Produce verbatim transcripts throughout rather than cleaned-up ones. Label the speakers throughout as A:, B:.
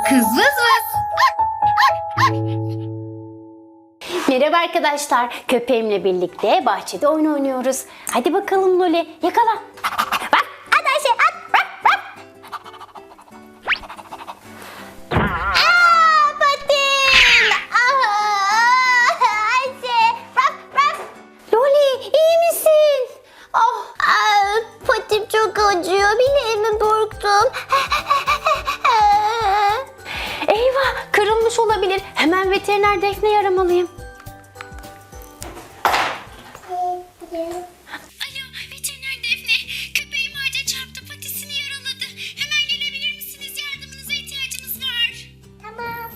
A: Kız vız vız.
B: Merhaba arkadaşlar. Köpeğimle birlikte bahçede oyun oynuyoruz. Hadi bakalım Loli, yakala. Bak, at Ayşe, at. Bak, bak. Aa, patim. Aa, Ayşe, bak, bak. Loli, iyi misin? Oh, aa, patim çok acıyor. Bileğimi burktum. Eyvah, kırılmış olabilir. Hemen veteriner Defne'yi aramalıyım.
C: Alo, veteriner Defne. Köpeğim ağaca çarptı, patisini yaraladı. Hemen gelebilir misiniz? Yardımınıza ihtiyacımız var.
B: Tamam.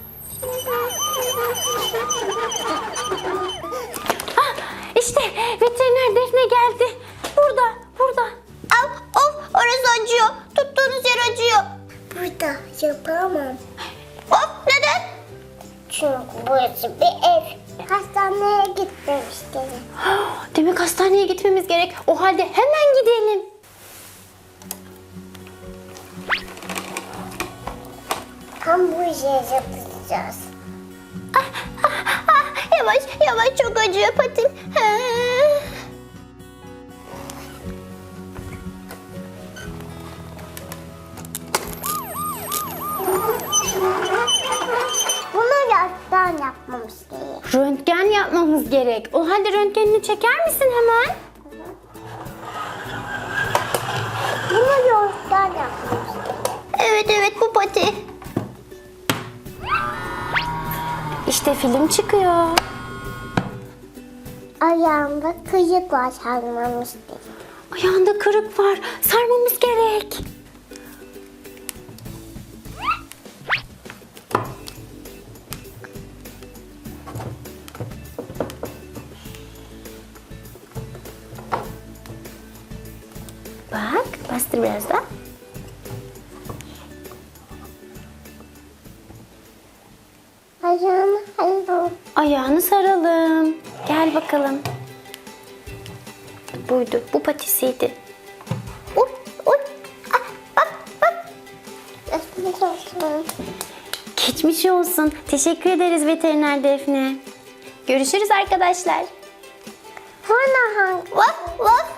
B: Ah, işte veteriner Defne geldi. Burada, burada. Av, of, orası acıyor. Tuttuğunuz yer acıyor.
D: Burada yapamam.
B: Of, neden?
D: Çünkü burası bir ev. Hastaneye gitmemiştim.
B: Demek hastaneye gitmemiz gerek. O halde hemen gidelim.
D: Hamburger yapacağız.
B: Ah, yavaş, yavaş, çok acıyor patim. Ha.
D: Bunu yastan yapmamız gerek.
B: Röntgen yapmamız gerek. O halde röntgenini çeker misin hemen?
D: Bunu yastan yapmamız gerek.
B: Evet, evet, bu pati. İşte film çıkıyor.
D: Ayağımda kıyık var sarmamız gerek.
B: Ayağında kırık var. Sarmamız gerek. Bak, bastır biraz da.
D: Ayağımı hayır.
B: Ayağını saralım. Gel bakalım. Buydu, bu patisiydi. Uy, uy. Ah, bak, bak.
D: Geçmiş olsun.
B: Geçmiş olsun. Teşekkür ederiz veteriner Defne. Görüşürüz arkadaşlar.
D: Sonra hangi?
B: Vaf, vaf.